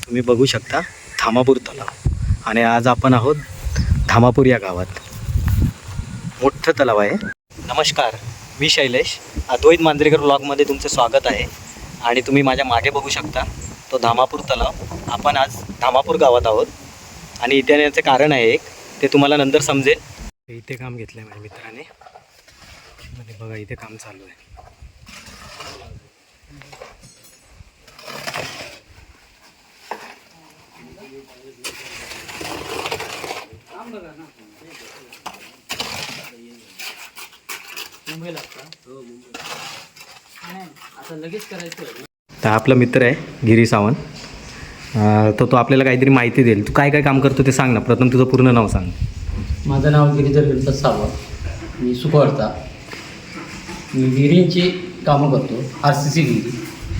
तुम्ही बघू शकता धामापूर तलाव. आणि आज आपण आहोत धामापूर या गावात. मोठं तलाव आहे. नमस्कार, मी शैलेश, अद्वैत मांजरेकर ब्लॉगमध्ये तुमचं स्वागत आहे. आणि तुम्ही माझ्या मागे बघू शकता तो धामापूर तलाव. आपण आज धामापूर गावात आहोत आणि इथे येण्याचं कारण आहे एक, ते तुम्हाला नंतर समजेल. इथे काम घेतलं आहे माझ्या मित्राने आणि बघा इथे काम चालू आहे. तर आपला मित्र आहे गिरी सावंत. तर तो आपल्याला काहीतरी माहिती देईल. तू काय काय काम करतो ते सांग ना. प्रथम तुझं पूर्ण नाव सांग. माझं नाव गिरीधर गणपत सावंत. मी सुकवडता. मी विहिरींची कामं करतो. RCC विहिरी.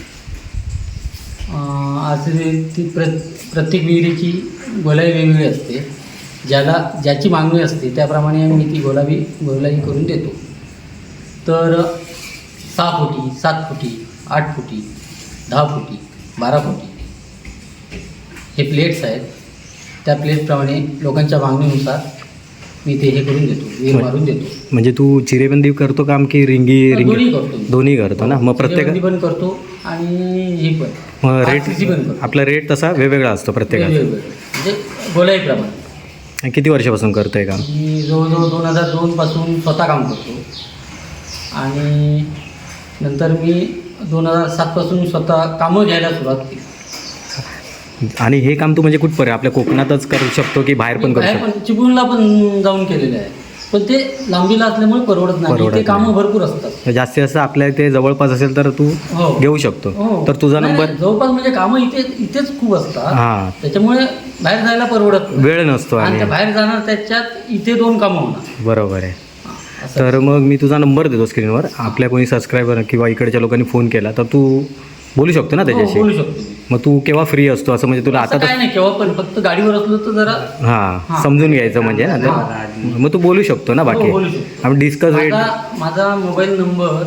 RCC प्रत्येक विहिरीची गोलाई वेगवेगळी असते. ज्याची मागणी असते त्याप्रमाणे मी ती गोलाई करून देतो. तर 6 फुटी, 7 फुटी, 8 फुटी, 10 फुटी, 12 फुटी हे प्लेट्स आहेत. त्या प्लेटप्रमाणे लोकांच्या मागणीनुसार मी ते हे करून देतो, विहीर मारून देतो. म्हणजे तू चिरेबंदी करतो काम की दोन्ही करतो. दोन्ही करतो ना. मग चिरेबंदी पण करतो आणि हे पण मग RCC पण करतो. आपला रेट तसा वेगवेगळा असतो प्रत्येकाचा. म्हणजे गोलाईप्रमाणे. किती वर्षापासून करतोय काम? मी जवळजवळ 2002 पासून स्वतः काम करतो आणि नंतर मी 2007 पासून स्वतः कामं घ्यायला सुरुवात केली. आणि हे काम तू म्हणजे कुठपर्यंत आपल्या कोकणातच करू शकतो की बाहेर पण करू शकतो? पण चिपळूणला पण जाऊन केलेलं आहे, पण ते लांबीला असल्यामुळे परवडत नाही. ते कामं भरपूर असतात. जास्तीत जास्त आपल्या इथे जवळपास असेल तर तू घेऊ शकतो. तर तुझा नंबर जवळपास म्हणजे कामं इथेच खूप असतात. हां, त्याच्यामुळे बाहेर जायला परवडत नाही. वेळ नसतो आणि बाहेर जाणार त्याच्यात इथे 2 कामं होणार. बरोबर आहे. तर मग मी तुझा नंबर देतो स्क्रीनवर. आपल्या कोणी सबस्क्रायबर किंवा इकडच्या लोकांनी फोन केला तर तू बोलू शकतो ना त्याच्याशी. बोलू शकतो. मग तू केव्हा फ्री असतो असं म्हणजे तुला आता काय नाही, केव्हा पण. फक्त गाडीवर असलो तर जरा हां समजून घ्यायचं म्हणजे ना. तर मग तू बोलू शकतो ना. बाकी बोलू शकतो. आपण डिस्कस रेट. माझा मोबाईल नंबर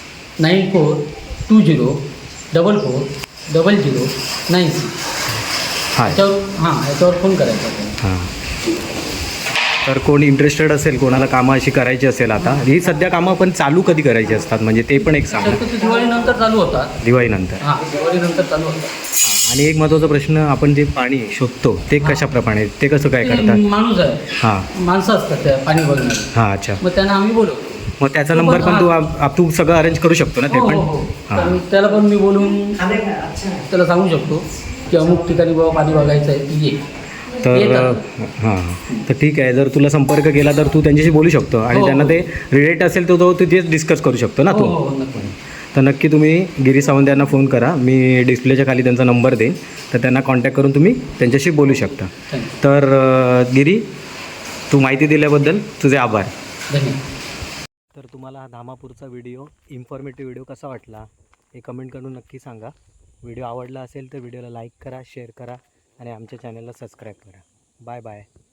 9420440096. हां याच्यावर फोन करायचा. हां. तर कोणी इंटरेस्टेड असेल, कोणाला कामं अशी करायची असेल, आता ही सध्या कामं पण चालू कधी करायची असतात म्हणजे ते पण एक सांगा. दिवाळीनंतर चालू होतात. दिवाळीनंतर. दिवाळीनंतर चालू होतात. आणि एक महत्त्वाचा प्रश्न, आपण जे पाणी शोधतो ते कशाप्रमाणे, ते कसं काय करतात? माणूस आहे. हां, माणसं असतात त्या पाणी बघणारी. हां, अच्छा. मग त्यांना आम्ही बोलवतो. मग त्याचा नंबर पण तू सगळं अरेंज करू शकतो ना ते पण? हां, त्याला पण मी बोलून त्याला सांगू शकतो की अमुक ठिकाणी बाबा पाणी बघायचं आहे, ती ये. तर हां, तर ठीक आहे. जर तुला संपर्क केला तर तू त्यांच्याशी बोलू शकतो आणि त्यांना ते रिलेट असेल तर तू तेच डिस्कस करू शकतो ना तू. तर नक्की तुम्ही गिरी सावंत यांना फोन करा. मी डिस्प्लेच्या खाली त्यांचा नंबर देईन, तर त्यांना कॉन्टॅक्ट करून तुम्ही त्यांच्याशी बोलू शकता. तर गिरी, तू माहिती दिल्याबद्दल तुझे आभार. धन्यवाद. तर तुम्हाला हा धामापूरचा व्हिडिओ, इन्फॉर्मेटिव्ह व्हिडिओ कसा वाटला हे कमेंट करून नक्की सांगा. व्हिडिओ आवडला असेल तर व्हिडिओला लाईक करा, शेअर करा आणि आमच्या चॅनलला सबस्क्राईब करा. Bye bye.